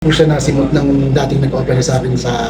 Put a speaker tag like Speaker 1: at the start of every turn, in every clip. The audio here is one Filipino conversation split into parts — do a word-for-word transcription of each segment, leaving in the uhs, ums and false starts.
Speaker 1: po siya nasimot ng dating nag-opera sa akin sa...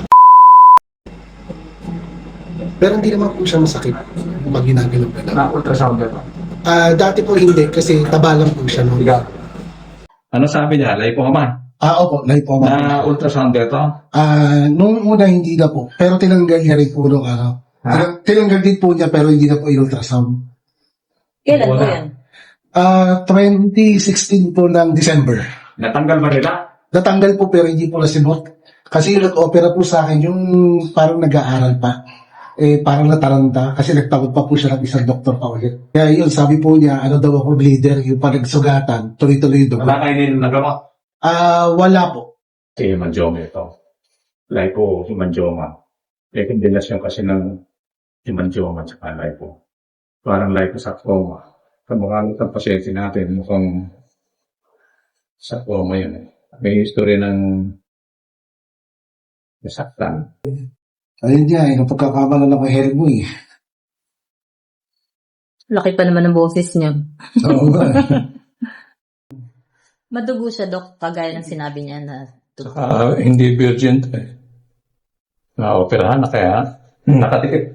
Speaker 1: Pero hindi naman po siya masakit pag ginagalaw ka lang.
Speaker 2: Na-ultrasound ka ba?
Speaker 1: Ah, dati po hindi kasi taba lang po siya noon.
Speaker 2: Ano sabi niya? Lipoma?
Speaker 1: Ah, opo, lipoma.
Speaker 2: Na-ultrasound ka ito?
Speaker 1: Ah, noong una hindi na po. Pero tinanggal niya rin po nung ano.
Speaker 2: Ha?
Speaker 1: Tinang- Tinanggal din po niya pero hindi na po i-ultrasound.
Speaker 3: Kailan po
Speaker 2: Wala.
Speaker 3: yan?
Speaker 1: Ah, twenty sixteen po ng December.
Speaker 2: Natanggal ba nila?
Speaker 1: Natanggal po pero hindi po nasimot. Kasi yung nag-opera po sa akin, yung parang nag-aaral pa. Eh, parang nataranta kasi nagtakot pa po siya ng isang doktor pa ulit. Kaya yun, sabi po niya, ano daw ako bleeder, yung panagsugatan, tuloy-tuloy doon.
Speaker 2: Wala kayo nila nagawa?
Speaker 1: Ah, wala po.
Speaker 2: Si hemangioma ito. Lipo, hemangioma. May kombinasyon kasi ng hemangioma at saka lipo. Parang liposarcoma. Kamukha ng pasyente natin, mukhang sarcoma yun eh. May history ng nasaktan.
Speaker 1: Ayun niya, eh, napagkakamalan ako health mo eh.
Speaker 3: Laki pa naman ng boses niya.
Speaker 1: Oo ba?
Speaker 3: Madugo siya, Dok, kagaya ng sinabi niya na dugo.
Speaker 2: Uh, hindi virgin eh. Na-operahan na kaya nakatikip.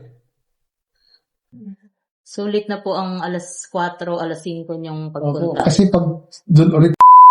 Speaker 3: Sulit na po ang alas kwatro, alas singko niyong
Speaker 1: Opo,
Speaker 3: pagpunta.
Speaker 1: kasi pag doon ulit,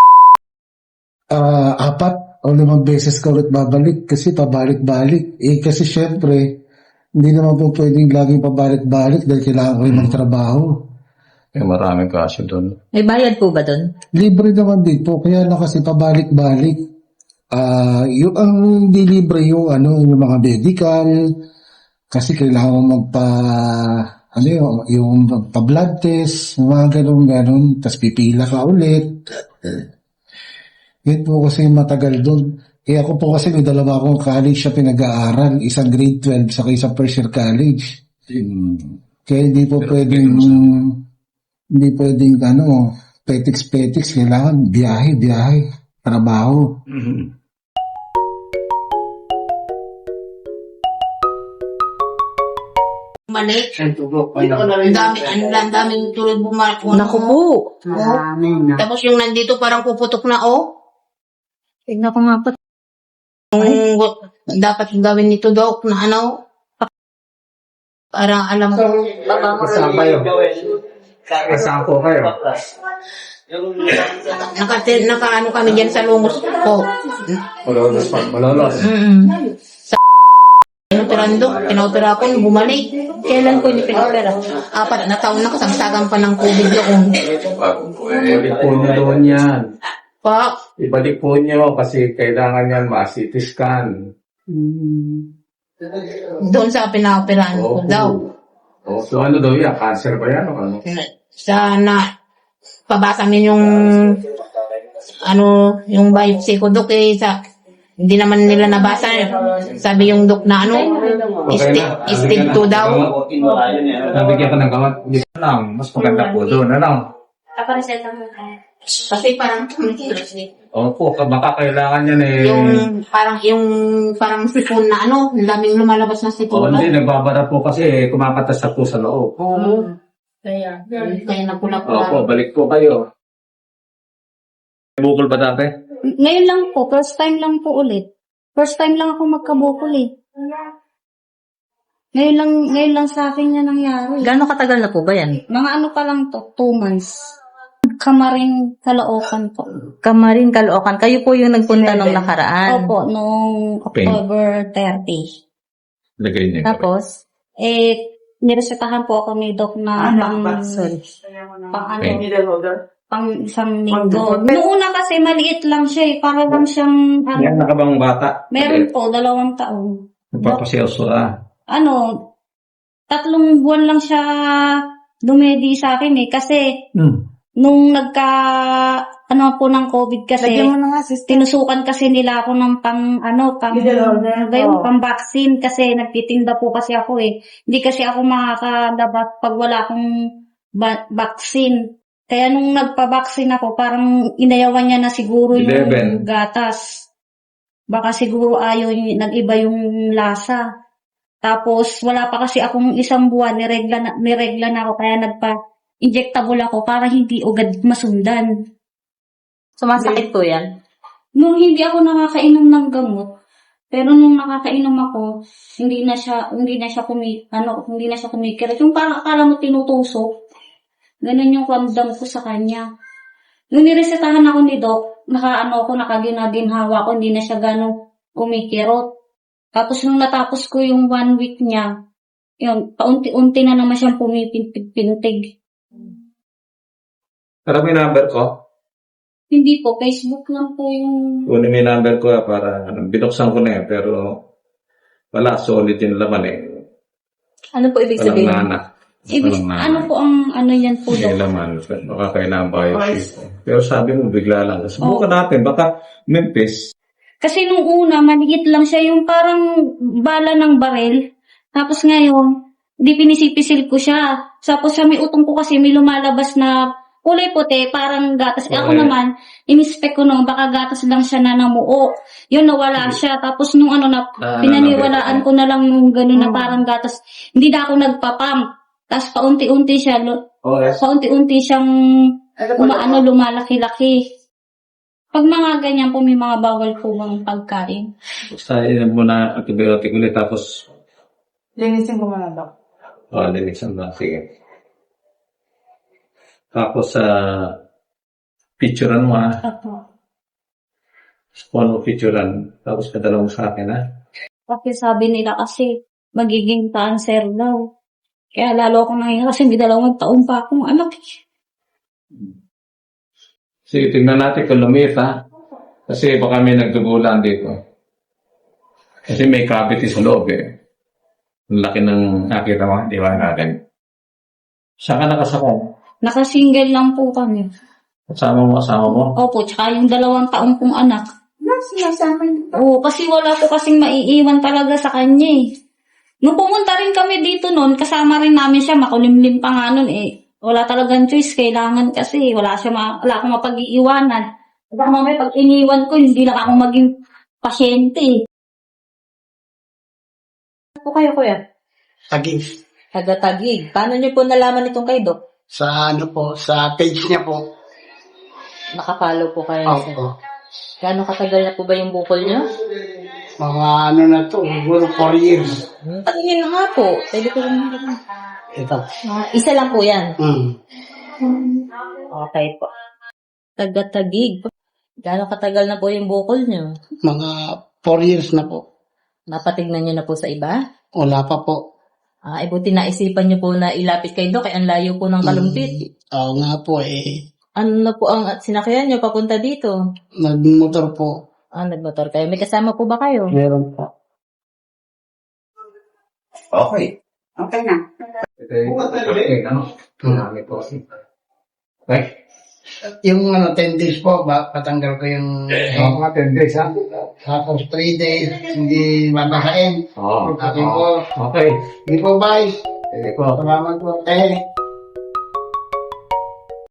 Speaker 1: ah, apat o limang beses ka ulit babalik kasi pabalik-balik. Eh kasi syempre, hindi naman po pwedeng laging pabalik-balik dahil kailangan ko rin ng trabaho.
Speaker 2: Eh, maraming kaso doon.
Speaker 3: May bayad po ba doon?
Speaker 1: Libre naman din po, kaya na kasi pabalik-balik. Ah, yung ang hindi libre yung ano, yung mga medical kasi kailangan mo magpa ano yung, yung magpa-blood test, mga ganun-ganun, tapos pipila ka ulit. Yun po kasi matagal doon. Eh ako po kasi may dalawa akong college siya pinag-aaral, isang grade twelve sa isang first year college. Kaya hindi po pwedeng hindi pwedeng ano, petiks-petiks, kailangan biyahe, biyahe, trabaho.
Speaker 2: Mm-hmm.
Speaker 4: Mali. Ang dami, ang ang daming tulad bumalik.
Speaker 3: Naku po.
Speaker 4: Tapos yung nandito parang puputok na, oh.
Speaker 3: Tignan ko nga po.
Speaker 4: Yung dapat gawin nito, Dok, na ano, para alam ko.
Speaker 2: Kasama kayo. Kasama po kayo.
Speaker 4: Naka, naka ano kami dyan sa lungos ko.
Speaker 2: Malolos pa. Malolos.
Speaker 4: Mm-mm. Sa pinoperahan, Dok, pinopera ko, nung bumalik.
Speaker 3: Kailan po niyo pinopera?
Speaker 4: Apat na taon na kasagsagan pa ng COVID doon.
Speaker 2: Ibalik po niyo doon yan.
Speaker 4: Pa,
Speaker 2: Ibalik po niyo kasi kailangan yan ma-C T scan.
Speaker 4: doon sa pinoperahan ko
Speaker 2: Opo.
Speaker 4: daw.
Speaker 2: Oh, so ano daw yan? Cancer ba yan o ano?
Speaker 4: Sana pabasa min yung ano yung biopsy ko, Dok, eh, sa hindi naman nila nabasa eh. Sabi yung Dok na ano sti- stage two daw.
Speaker 2: Nabigyan ka ng gamot. Hindi ka lang. Mas maganda po doon. Ano?
Speaker 4: Kasi parang
Speaker 2: Opo, baka kailangan yan eh.
Speaker 4: yung parang yung parang sipon na ano, ang daming lumalabas na
Speaker 2: O
Speaker 4: sipon.
Speaker 2: hindi, nagbabara po kasi eh, kumakatas na po sa loob.
Speaker 4: Oo. Kaya kaya napula-pula.
Speaker 2: Opo, balik po kayo. Bukol ba dati?
Speaker 5: Ngayon lang po, first time lang po ulit. First time lang ako magkabukol eh. Ngayon lang, ngayon lang sa akin yan nangyari.
Speaker 3: Gano'ng katagal na po ba yan?
Speaker 5: Mga ano pa lang to, two months. Kamaring Caloocan po.
Speaker 3: Kamarin, Caloocan. Kayo po yung nagpunta nung nakaraan.
Speaker 5: Opo, noong October thirty.
Speaker 2: Lagay niya.
Speaker 5: Tapos, eh, niresetahan po ako ni Doc na pang,
Speaker 3: Sorry.
Speaker 5: pang ano,
Speaker 2: Okay.
Speaker 5: pang isang linggo. Noong una kasi maliit lang siya eh. Para lang siyang, ano,
Speaker 2: Yan nakabang bata.
Speaker 5: meron po, dalawang taon.
Speaker 2: Nagpapaselso ah.
Speaker 5: Ano, tatlong buwan lang siya dumedi sa akin eh. Kasi,
Speaker 2: Hmm.
Speaker 5: nung nagka, ano po ng COVID kasi, tinusukan kasi nila ako ng pang, ano, pang, gayon, pang vaccine kasi nagtitinda po kasi ako eh. Hindi kasi ako makakadabat pag wala akong ba- vaccine. Kaya nung nagpa-vaccine ako, parang inayawan niya na siguro yung
Speaker 2: eleven.
Speaker 5: gatas. Baka siguro ayaw, y- nag-iba yung lasa. Tapos, wala pa kasi akong isang buwan, niregla na, niregla na ako, kaya nagpa-injectable ako para hindi agad masundan.
Speaker 3: Sumasakit po yan?
Speaker 5: Nung hindi ako nakakainom ng gamot, pero nung nakakainom ako, hindi na siya, hindi na siya kumi, ano, hindi na siya kumikirat. Yung parang akala mo tinutusok. Ganun yung ramdam ko sa kanya. Nung niresetahan ako ni Doc, nakaano ako, nakaginaginhawa ko, hindi na siya ganong kumikirot. Tapos nung natapos ko yung one week niya, yun, paunti-unti na naman siyang pumipintig.
Speaker 2: Pero may number ko.
Speaker 5: Hindi po, Facebook lang po yung...
Speaker 2: Kunin mo yung number ko ah, para ano, binuksan ko na eh, pero wala, solid yung laman eh.
Speaker 3: Ano po ibig
Speaker 2: Walang
Speaker 3: sabihin?
Speaker 2: nana.
Speaker 5: Ibig,
Speaker 2: Walang nana.
Speaker 5: ano po ang ano yan po,
Speaker 2: May
Speaker 5: Doc?
Speaker 2: laman. Baka kailangan biopsy. Pero sabi mo, bigla lang. Subukan natin. Baka Memphis.
Speaker 5: Kasi nung una, maliit lang siya, yung parang bala ng barel. Tapos ngayon, di pinisipisil ko siya. Tapos sa may utong ko kasi may lumalabas na kulay puti, parang gatas. Eh, ako
Speaker 2: Okay.
Speaker 5: naman, in-inspect ko noon, baka gatas lang siya na namuo. Yun, nawala siya. Tapos nung ano na,
Speaker 2: Ah,
Speaker 5: pinaniwalaan ko na lang yung gano'n
Speaker 2: Hmm.
Speaker 5: na parang gatas. Hindi na ako nagpapump. Tapos paunti-unti siya, lu-
Speaker 2: Oh, yes.
Speaker 5: paunti-unti siyang umaano, lumalaki-laki. Pag mga ganyan po, may mga bawal po bang pagkain.
Speaker 2: Basta yun muna antibiotic ulit. Tapos,
Speaker 6: Linisin ko muna, Doc.
Speaker 2: oh, linisan na. Sige. Tapos, sa picturean mo ha. Kung ano picturean. Tapos, padala mo sa akin ha.
Speaker 5: Kasi sabi nila kasi, magiging cancer daw. Kaya lalo ako nangyayari kasi may dalawang taon pa akong anak. eh.
Speaker 2: Sige, tignan natin kung lumit ha. Kasi baka may nagdugulan dito. Kasi may cavity sa loob eh. Ang laki ng nakita mo, di ba natin? Saan ka nakasakay?
Speaker 5: Nakasingle lang po kami.
Speaker 2: Kasama mo, kasama mo?
Speaker 5: Opo, tsaka yung dalawang taon kong anak.
Speaker 6: Sinasama niyo.
Speaker 5: Oo, kasi wala po kasing maiiwan talaga sa kanya eh. Nung pumunta rin kami dito noon, kasama rin namin siya, makulimlim pa nga noon eh. Wala talagang choice, kailangan kasi wala siya ma- wala akong mapag-iiwanan. Baka mamaya pag iniwan ko, hindi lang ako maging pasyente eh.
Speaker 3: Ano po kayo, kuya?
Speaker 7: Tagig.
Speaker 3: Taga-Tagig. Paano niyo po nalaman itong kay Doc?
Speaker 7: Sa ano po, sa page niya po.
Speaker 3: Nakapollow po kayo. sir.
Speaker 7: Opo.
Speaker 3: Gano'ng katagal na po ba yung bukol niyo?
Speaker 7: Mga ano na to, siguro four years.
Speaker 3: Hmm. Tingin na nga po. Pwede ko rin.
Speaker 7: Ito.
Speaker 3: Ah, isa lang po yan.
Speaker 7: Mm.
Speaker 3: Okay po. Taga-Tagig. Gano'ng katagal na po yung bukol niyo?
Speaker 7: Mga four years na po.
Speaker 3: Napatignan niyo na po sa iba?
Speaker 7: Wala pa po.
Speaker 3: Ah, eh buti naisipan niyo po na ilapit kay Doc, kaya ang layo po ng kalumpit.
Speaker 7: Mm, Oo nga po eh.
Speaker 3: Ano na po ang at sinakyan niyo papunta dito?
Speaker 7: Nagmotor po.
Speaker 3: Ah, nagmotor kayo. May kasama po ba kayo?
Speaker 7: Meron po.
Speaker 2: Okay.
Speaker 6: Okay na.
Speaker 2: Okay, ano? Marami po. Okay.
Speaker 7: Yung ano, ten days po, ba, patanggal ko yung
Speaker 2: Oh, mga ten days ha?
Speaker 7: tapos three days, hindi mabakain.
Speaker 2: Oo.
Speaker 7: Okay po.
Speaker 2: Okay.
Speaker 7: Hindi po, bye.
Speaker 2: Sige po.
Speaker 7: Salamat po. Eh,